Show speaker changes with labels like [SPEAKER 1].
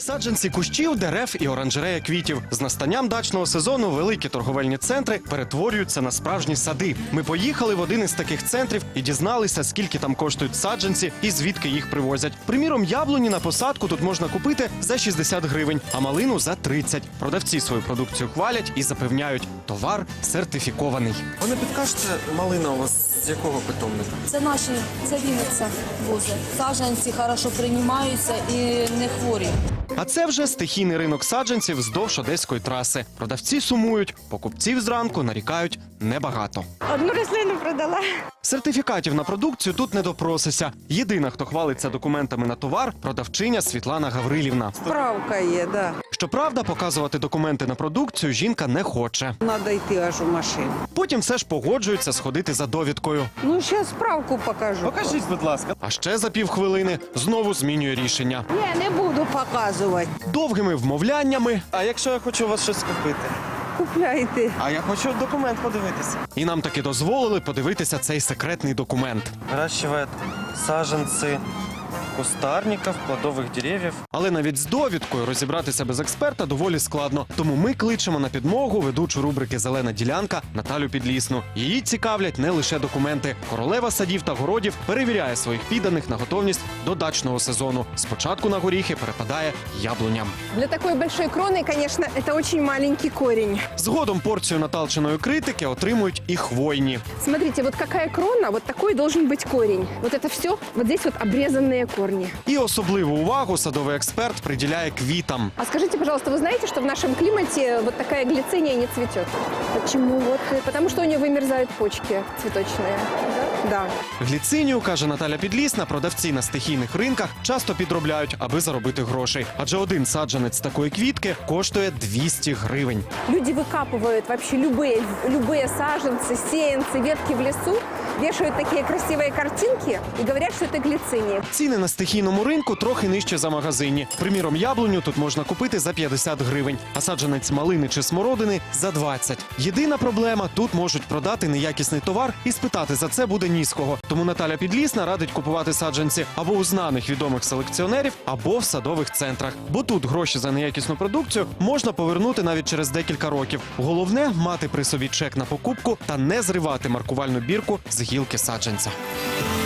[SPEAKER 1] Саджанці кущів, дерев і оранжерея квітів. З настанням дачного сезону великі торговельні центри перетворюються на справжні сади. Ми поїхали в один із таких центрів і дізналися, скільки там коштують саджанці і звідки їх привозять. Приміром, яблуні на посадку тут можна купити за 60 гривень, а малину за 30. Продавці свою продукцію хвалять і запевняють, товар сертифікований.
[SPEAKER 2] Ви не підкажете, малина у вас з якого питомника?
[SPEAKER 3] Це наші, це Вінниця возить. Саджанці хорошо приймаються і не хворі.
[SPEAKER 1] А це вже стихійний ринок саджанців вздовж Одеської траси. Продавці сумують, покупців зранку нарікають небагато.
[SPEAKER 4] Одну рослину продала.
[SPEAKER 1] Сертифікатів на продукцію тут не допросися. Єдина, хто хвалиться документами на товар – продавчиня Світлана Гаврилівна.
[SPEAKER 4] Справка є, да.
[SPEAKER 1] Щоправда, показувати документи на продукцію жінка не хоче.
[SPEAKER 4] Надо йти аж у машину.
[SPEAKER 1] Потім все ж погоджується сходити за довідкою.
[SPEAKER 4] Ну, ще справку покажу.
[SPEAKER 2] Покажіть, будь ласка.
[SPEAKER 1] А ще за півхвилини знову змінює рішення.
[SPEAKER 4] Я не буду показувати.
[SPEAKER 1] Довгими вмовляннями,
[SPEAKER 2] А якщо я хочу у вас щось купити?
[SPEAKER 4] Купляйте.
[SPEAKER 2] А я хочу документ подивитися.
[SPEAKER 1] і нам таки дозволили подивитися цей секретний документ.
[SPEAKER 2] Выращивает саженцы кустарников, плодовых деревьев.
[SPEAKER 1] Але навіть з довідкою розібратися без експерта доволі складно. Тому ми кличемо на підмогу ведучу рубрики «Зелена ділянка» Наталю Підлісну. Її цікавлять не лише документи. Королева садів та городів перевіряє своїх підданих на готовність до дачного сезону. Спочатку на горіхи перепадає яблуням.
[SPEAKER 5] Для такой большой кроны, конечно, это очень маленький корень.
[SPEAKER 1] Згодом порцію наталченої критики отримують і хвойні.
[SPEAKER 5] Смотрите, вот какая крона, вот такой должен быть корень. Вот это все, вот здесь вот обрезанные корни.
[SPEAKER 1] І особливу увагу садовий експерт приділяє квітам.
[SPEAKER 5] А скажите, пожалуйста, вы знаете, что в нашем климате вот такая глициния не цветет? Почему? Вот, потому что у нее вымерзают почки цветочные. Да.
[SPEAKER 1] Гліцинію, каже Наталя Підлісна, продавці на стихійних ринках часто підробляють, аби заробити грошей. Адже один саджанець такої квітки коштує 200 гривень.
[SPEAKER 5] Люди выкапывают вообще любые саженцы, сеянцы, ветки в лесу, вешают такие красивые картинки и говорят, что это глициния.
[SPEAKER 1] Ціни на стихійному ринку трохи нижче за магазині. Приміром, яблуню тут можна купити за 50 гривень, а саджанець малини чи смородини – за 20. Єдина проблема – тут можуть продати неякісний товар і спитати за це буде ні з кого. Тому Наталя Підлісна радить купувати саджанці або у знаних відомих селекціонерів, або в садових центрах. Бо тут гроші за неякісну продукцію можна повернути навіть через декілька років. Головне – мати при собі чек на покупку та не зривати маркувальну бірку з гілки саджанця.